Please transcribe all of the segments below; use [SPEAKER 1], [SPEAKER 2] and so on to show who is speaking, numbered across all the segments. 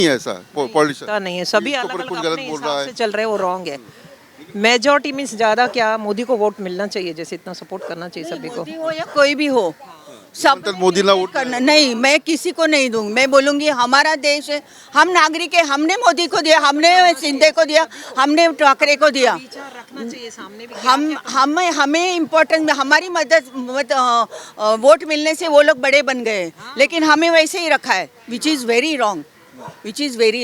[SPEAKER 1] नहीं है ऐसा पॉलिटिशियन
[SPEAKER 2] पता नहीं है, सभी
[SPEAKER 1] इसके
[SPEAKER 2] अलग
[SPEAKER 1] ऊपर
[SPEAKER 2] अलग
[SPEAKER 1] कुछ
[SPEAKER 2] अपने
[SPEAKER 1] गलत बोल रहा
[SPEAKER 2] हिसाब से
[SPEAKER 1] है।
[SPEAKER 2] चल रहे हैं, वो रॉन्ग है। मेजॉरिटी मीन्स ज़्यादा क्या, मोदी को वोट मिलना चाहिए, जैसे इतना सपोर्ट करना चाहिए सभी को।
[SPEAKER 3] मोदी हो या कोई भी हो, सब
[SPEAKER 1] मतलब मोदीला वोट
[SPEAKER 3] करना नहीं, मैं किसी को नहीं दूंगी। मैं बोलूंगी हमारा देश है, हम नागरिक है, हमने मोदी को दिया, हमने शिंदे को दिया, हमने ठाकरे को दिया।
[SPEAKER 2] रखना चाहिए सामने भी।
[SPEAKER 3] हमें इम्पोर्टेंस, हमारी वोट मिलने से वो लोग बड़े बन गए, लेकिन हमें वैसे ही रखा है, which is very wrong, which is very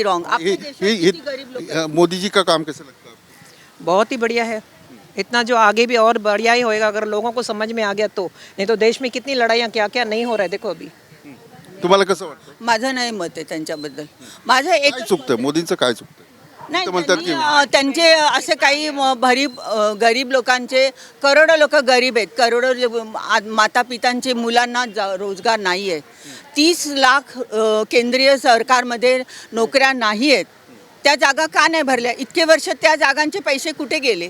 [SPEAKER 3] wrong.
[SPEAKER 1] Modi ji का काम कैसे लगता है आपको?
[SPEAKER 2] बहुत ही बढ़िया है, इतना जो आगे भी और बढ़िया ही होएगा अगर लोगों को समझ में आ गया तो। नहीं तो देश में कितनी लड़ाइयाँ क्या क्या नहीं हो रहा है, देखो अभी।
[SPEAKER 1] तुम्हाला कसं वाटतं?
[SPEAKER 3] माझं नाही मत आहे त्यांच्याबद्दल. माझं एक
[SPEAKER 1] काय चुकतं मोदींचं, काय चुकतं?
[SPEAKER 3] नाही,
[SPEAKER 1] ते म्हणतात की
[SPEAKER 3] त्यांचे असे काही गरीब लोकांचे, करोडो लोक गरीब आहेत, करोडो माता पितांचे मुलांना रोजगार नाही आहे. 30 लाख केंद्रीय सरकारमध्ये नोकऱ्या नाही आहेत. त्या जागा का नाही भरल्या? इतके वर्ष त्या जागांचे पैसे कुठे गेले?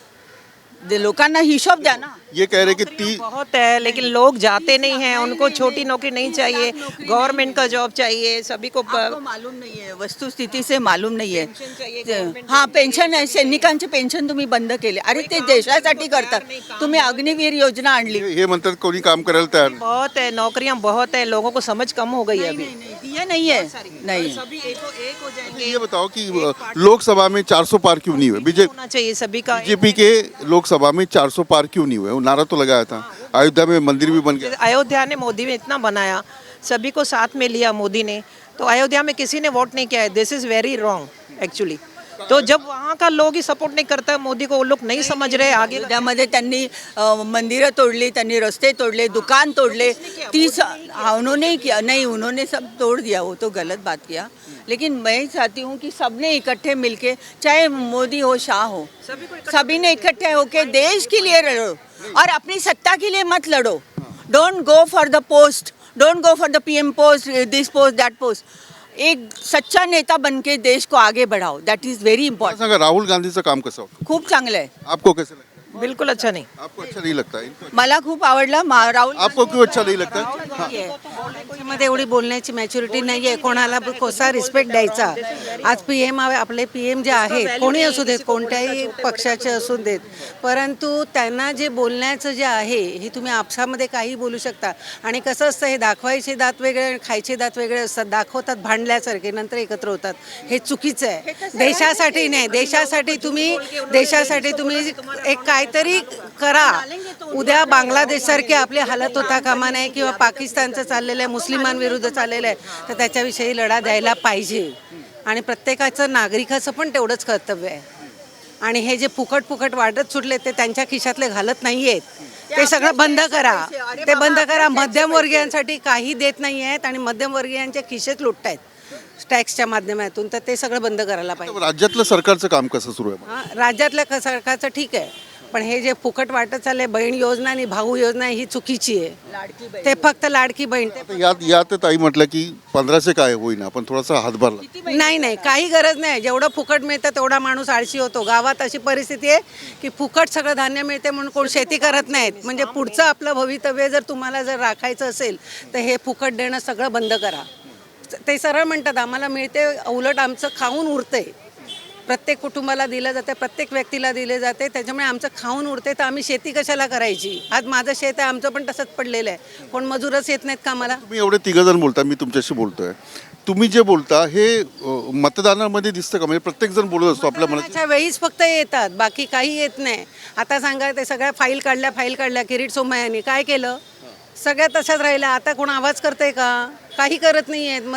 [SPEAKER 3] लोकांना हिशोब द्या ना.
[SPEAKER 1] ये कह रहे कि
[SPEAKER 2] बहुत है, लेकिन लोग जाते नहीं हैं, उनको छोटी नौकरी नहीं चाहिए, गवर्नमेंट का जॉब चाहिए सभी को।
[SPEAKER 3] आपको मालूम नहीं है, वस्तुस्थिती से मालूम नाही आहे. हां, पेन्शन आहे, सैनिकांचे पेन्शन तुम्ही बंद केले. अरे ते देशासाठी करतात. तुम्ही अग्निवीर योजना आणली.
[SPEAKER 1] हे म्हणतात कोणी काम करायला तयार नाही.
[SPEAKER 2] बहुत है, नौकरियां बहुत है, लोगों को समझ कम हो गई है अभी।
[SPEAKER 3] दिया नहीं है, नहीं.
[SPEAKER 2] सभी एक हो जाएंगे।
[SPEAKER 1] ये बताओ कि लोकसभा में 400 पार क्यों नहीं हुए?
[SPEAKER 2] होना चाहिए सभी का।
[SPEAKER 1] बीजेपी के लोकसभा में 400 पार क्यों नहीं हुए? वो नारा तो लगाया था, अयोध्या में मंदिर भी बन गया।
[SPEAKER 2] अयोध्या ने मोदी ने इतना बनाया, सभी को साथ में लिया मोदी ने, तो अयोध्या में किसी ने वोट नहीं किया है। This is very wrong actually. तो जब वहाँ का लोग ही सपोर्ट नहीं करता मोदी को, वो लोग नहीं समझ रहे आगे।
[SPEAKER 3] अयोध्यामध्ये त्यांनी मंदिरं तोडली, त्यांनी रस्ते तोडले, दुकान तोडले. 30 उन्होंने किया नहीं, उन्होंने सब तोड़ दिया, वो तो गलत बात किया. लेकिन मैं चाहती हूँ कि सबने इकट्ठे मिलके, चाहे मोदी हो शाह हो, सभी ने इकट्ठे होके देश के लिए लड़ो और अपनी सत्ता के लिए मत लड़ो. Don't go for the post, don't go for the PM post, this post, that post. एक सच्चा नेता बन के देश को आगे बढ़ाओ, दैट इज वेरी
[SPEAKER 1] मला
[SPEAKER 3] इम्पॉर्टंट.
[SPEAKER 1] सांगा राहुल गांधीचं काम कसं होतं?
[SPEAKER 3] खूप चांगलं आहे.
[SPEAKER 1] आपको कैसे लगता
[SPEAKER 2] बिल्कुल अच्छा नहीं।
[SPEAKER 1] है? आपको अच्छा नहीं लगता है?
[SPEAKER 3] मला खूप आवडला राहुल.
[SPEAKER 1] आपको क्यों अच्छा नहीं लगता?
[SPEAKER 4] मध्ये एवढी बोलण्याची मॅच्युरिटी नाही आहे, कोणाला कसा रिस्पेक्ट द्यायचा. आज PM आपले PM जे आहेत, कोणी असू देत, कोणत्याही पक्षाचे असू देत, परंतु त्यांना जे बोलण्याचं जे आहे हे तुम्ही आपसामध्ये काही बोलू शकता. आणि कसं असतं, हे दाखवायचे दात वेगळे, खायचे दात वेगळे असतात. दाखवतात भांडल्यासारखे, नंतर एकत्र होतात. हे चुकीचं आहे. देशासाठी नाही, देशासाठी तुम्ही एक काहीतरी करा. उद्या बांगलादेशसारखी आपली हालत होता कामा नये, किंवा पाकिस्तानचं चाललेलं आहे, मुस्लिमांविरुद्ध चाललेलं आहे, तर त्याच्याविषयी लढा द्यायला पाहिजे. आणि प्रत्येकाचं नागरिकाचं पण तेवढंच कर्तव्य आहे. आणि हे जे फुकट वाटत सुटले ते त्यांच्या खिशातले घालत नाही आहेत, ते सगळं बंद करा. ते बंद करा. मध्यमवर्गीयांसाठी काही देत नाही आहेत आणि मध्यमवर्गीयांचे खिशेच लुटतायत टॅक्सच्या माध्यमातून, तर ते सगळं बंद करायला पाहिजे.
[SPEAKER 1] राज्यातलं सरकारचं काम कसं सुरू आहे?
[SPEAKER 4] हां, राज्यातल्या सरकारचं ठीक आहे, पण हे जे फुकट वाटत चालले, बहीण योजना आणि भाऊ योजना, ही चुकीची आहे. ते फक्त लाडकी बहीण.
[SPEAKER 1] यात ताई म्हटलं की 1500 काय होईना, पण थोडासा हातभार लागतो.
[SPEAKER 4] नाही, काही गरज नाही. जेवढं फुकट मिळतं तेवढा माणूस आळशी होतो. गावात अशी परिस्थिती आहे की फुकट सगळं धान्य मिळते म्हणून कोण शेती करत नाहीत. म्हणजे पुढचं आपलं भवितव्य जर तुम्हाला राखायचं असेल तर हे फुकट देणं सगळं बंद करा. ते सरळ म्हणतात आम्हाला मिळते, उलट आमचं खाऊन उरतंय. प्रत्येक कुटुंबाला दिलं जाते, प्रत्येक व्यक्तीला दिले जाते, त्याच्यामुळे आमचं खाऊन उरते, तर आम्ही शेती कशाला करायची. आज माझं शेत आहे, आमचं पण तसंच पडलेलं आहे. कोण मजूरच येत नाहीत कामाला.
[SPEAKER 1] तुम्ही एवढे तिघजण बोलता, मी तुमच्याशी बोलतोय, तुम्ही जे बोलता हे मतदानामध्ये दिसतं का? म्हणजे प्रत्येक जण बोलत असतो आपल्या मनात.
[SPEAKER 4] मतदानाच्या वेळीच फक्त येतात, बाकी काही येत नाही. आता सांगा, ते सगळ्या फाईल काढल्या. किरीट सोमय्यांनी काय केलं? सगळ्या तशाच राहिल्या. आता कोण आवाज करतंय का? काही करत नाही आहेत.